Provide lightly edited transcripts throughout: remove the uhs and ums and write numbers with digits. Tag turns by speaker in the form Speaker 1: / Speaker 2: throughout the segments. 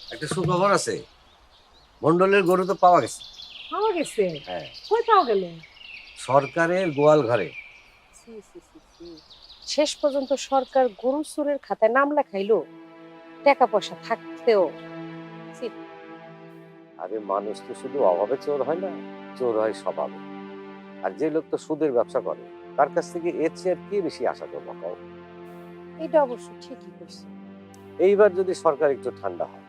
Speaker 1: একটা সুখবর আছে, মন্ডলের গরু তো পাওয়া গেছে।
Speaker 2: পাওয়া গেছে?
Speaker 1: হ্যাঁ,
Speaker 2: কই পাওয়া গেল?
Speaker 1: সরকারের গোয়াল ঘরে।
Speaker 2: ছি, ছি, ছি, ছি। শেষ পর্যন্ত সরকার গরু চোরের খাতায় নাম লেখাইলো, টাকা পয়সা থাকতেও। ছি,
Speaker 1: আরে মানুষ তো শুধু অভাবে চোর হয় না, চোর হয় স্বভাবে। আর যে লোক তো সুদের ব্যবসা করে, তার কাছ থেকে এর চেয়ে আর কি বেশি আশা করবো কও?
Speaker 2: এটা অবশ্য ঠিকই কইছো।
Speaker 1: এইবার যদি সরকার একটু ঠান্ডা হয়।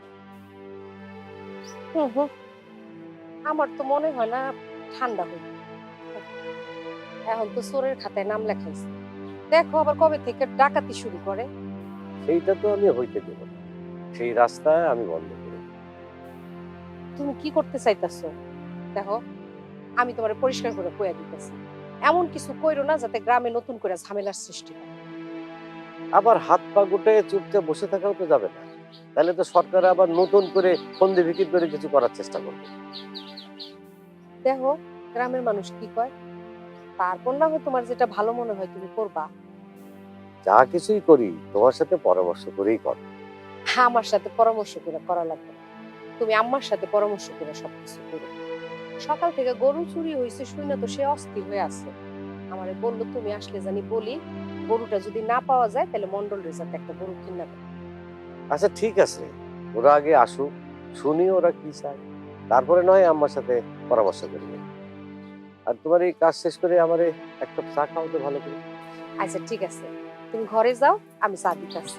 Speaker 2: হুম হুম, আমার তো মনে হয় না ঠান্ডা হইবে। এখন তো চোরের খাতায় নাম লেখাইছে, দেখো আবার কবে থেকে ডাকাতি শুরু করে।
Speaker 1: সেইটা তো আমি হইতে দেব না, সেই রাস্তায় আমি বন্ধ করে দেব।
Speaker 2: তুমি কি করতে চাইতাছো? দেখো, আমি তোমারে পরিষ্কার করে কইয়া দিতেছি, এমন কিছু কইরো না যাতে গ্রামে নতুন করে ঝামেলার সৃষ্টি হয়।
Speaker 1: আবার হাত পা গুটে চুপচাপ বসে থাকাও তো যাবে না, তাহলে তো সরকার আবার নতুন করে ফন্দি বিক্রি করে কিছু করার চেষ্টা করবে।
Speaker 2: দেখো গ্রামের মানুষ কি কয়, তারপর না হয় তোমার যেটা ভালো মনে হয় তুমি করবা।
Speaker 1: যা কিছুই করি তোমার সাথে পরামর্শ করেই কর।
Speaker 2: আমার সাথে পরামর্শ করে করা লাগবে না, তুমি আম্মার সাথে পরামর্শ করে সবকিছু করো। সকাল থেকে গরু চুরি হয়েছে শুনে তো সে অস্থির হয়ে আছে। আমারে বললো তুমি আসলে জানি বলি, গরুটা যদি না পাওয়া যায় তাহলে মন্ডল রেজার্ট একটা গরু কিনা দেবে।
Speaker 1: আচ্ছা ঠিক আছে, ওরা আগে আসুক, শুনি ওরা কি চায়, তারপরে নয় আমার সাথে পরামর্শ করবে। আর তোমার এই কাজ শেষ করে আমারে এক কাপ চা খাও তো ভালো করে।
Speaker 2: আচ্ছা ঠিক আছে, তুমি ঘরে যাও, আমি চা দিতেছি।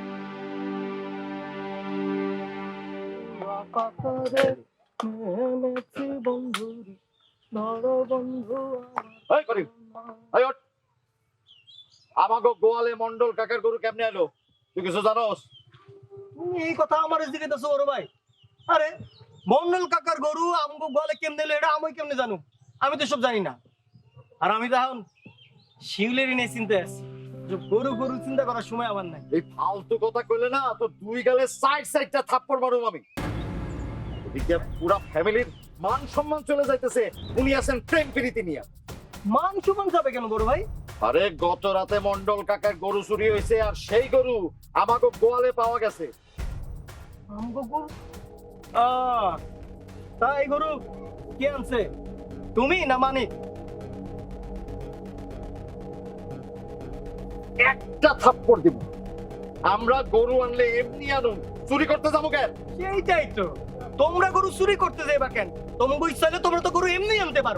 Speaker 3: এই করিম, এই ওঠ। আমাগো গোয়ালে মন্ডল কাকার গরু কেমনে এলো তুই কিছু জানোস?
Speaker 4: তুমি এই কথা আমার জিজ্ঞেস বড় ভাই। আরে মন্ডল কাকার গরু আমগো গোয়ালে কেমনে এলো এটা আমি কেমনে জানো? আমি তো সব জানি না। আর আমি তো এখন শিউলেরই নিয়ে চিন্তা আছি, যে গরু গরু চিন্তা করার সময় আমার নাই।
Speaker 3: এই ফালতু কথা কইলে না তো দুই গালে সাইডটা থাপ্পড় মারুম আমি। এদিকে পুরা ফ্যামিলির মান সম্মান চলে যাইতেছে, উনি আছেন প্রেম প্রীতি নিয়ে।
Speaker 4: মান সুমান যাবে কেন বড় ভাই?
Speaker 3: আরে গত রাতে মন্ডল কাকার গরু চুরি হয়েছে, আর সেই গরু আমাগো গোয়ালে পাওয়া গেছে।
Speaker 4: আমগো গরু? তা এই গরু কে আনছে, তুমি না মানিক?
Speaker 3: একটা থাপ্পড় দিব। আমরা গরু আনলে এমনি আনুন, চুরি করতে যাবো কেন?
Speaker 4: সেইটাই তো, তোমরা গরু চুরি করতে যাইবা কেন? তোমাকে ইচ্ছা হলে তোমরা তো গরু এমনি আনতে পারো।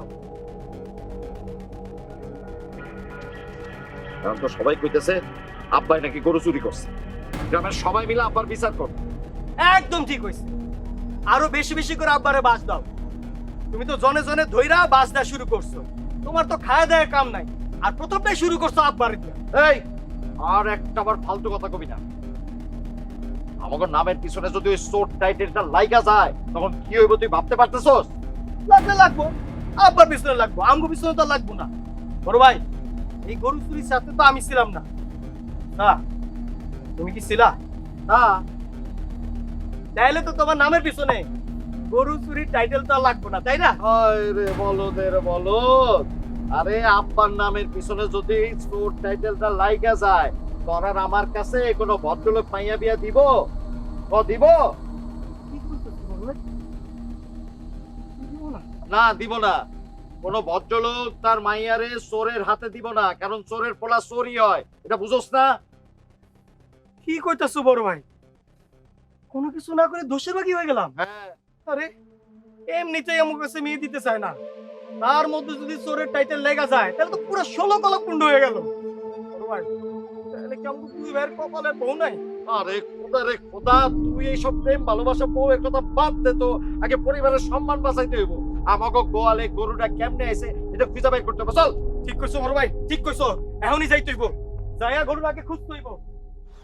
Speaker 3: কারণ তো সবাই কইতেছে আব্বাই নাকি গরু চুরি করছে। গ্রামের সবাই মিলে আব্বার বিচার কর।
Speaker 4: একদম ঠিক হইছে, আরো বেশি বেশি করে আব্বারে বাস দাও। তুমি তো জনে জনে ধইরা বাস দেওয়া শুরু করছো, তোমার তো খাওয়া দেওয়ার কাম নাই, আর প্রথমটাই শুরু করছো আব্বারে দিয়া।
Speaker 3: এই আর একটা আবার ফালতু কথা কবি না। আমাকে নামের পিছনে যদি ওই শোর্ট টাইটেলটা লাইগা যায় তখন কি হইব তুই ভাবতে পারতেছস?
Speaker 4: লাগলে লাগবো, আব্বার পিছনে লাগবো, আমগো পিছনে তো আর লাগবো না। বড় ভাই, এই গরু চুরির সাথে তো আমি ছিলাম না। না, তুমি কি ছিলা?
Speaker 3: না,
Speaker 4: তাইলে তো তোমার নামের পিছনে গরু চুরির টাইটেল তো আর লাগবো না, তাই না?
Speaker 3: আরে বলদের বলদ, আরে আব্বার নামের পিছনে যদি শোর্ট টাইটেলটা লাইগা যায় তোর আর আমার কাছে কোনো ভদ্রলোক মাইয়া বিয়া দিব? ও দিব?
Speaker 4: কি করতেছো বড় ভাই? দিব না?
Speaker 3: না দিব না। কোনো ভদ্রলোক তার মাইয়ারে চোরের হাতে দিব না, কারণ চোরের পোলা চোরই হয়, এটা বুঝোস না?
Speaker 4: কি কইতাছো বড় ভাই? কোনো কিছু না করে দোষের বাকি হয়ে গেলাম?
Speaker 3: হ্যাঁ,
Speaker 4: আরে এমনিতেই আমার কাছে মেয়ে দিতে চায় না, তার মধ্যে যদি চোরের টাইটেল লেগা যায় তাহলে তো পুরো 16 কলক কুণ্ড হয়ে গেল। বড় ভাই, তাহলে কি আমাকে দুই ভাইয়ের কপালে বউ নাই?
Speaker 3: আরে খোদা রে খোদা, তুই এইসব প্রেম ভালোবাসা বউয়ের কথা বাদ দে তো, আগে পরিবারের সম্মান বাঁচাইতে হইব। আমাকে গোয়ালে গরুটা কেমনে আইছে এটা খুঁজে বের করতে হবে, চল।
Speaker 4: ঠিক কইছো বড় ভাই, ঠিক কইছো, এখনই যাইতে হইব, যাইয়া গরুর আগে খুঁজতে হইব।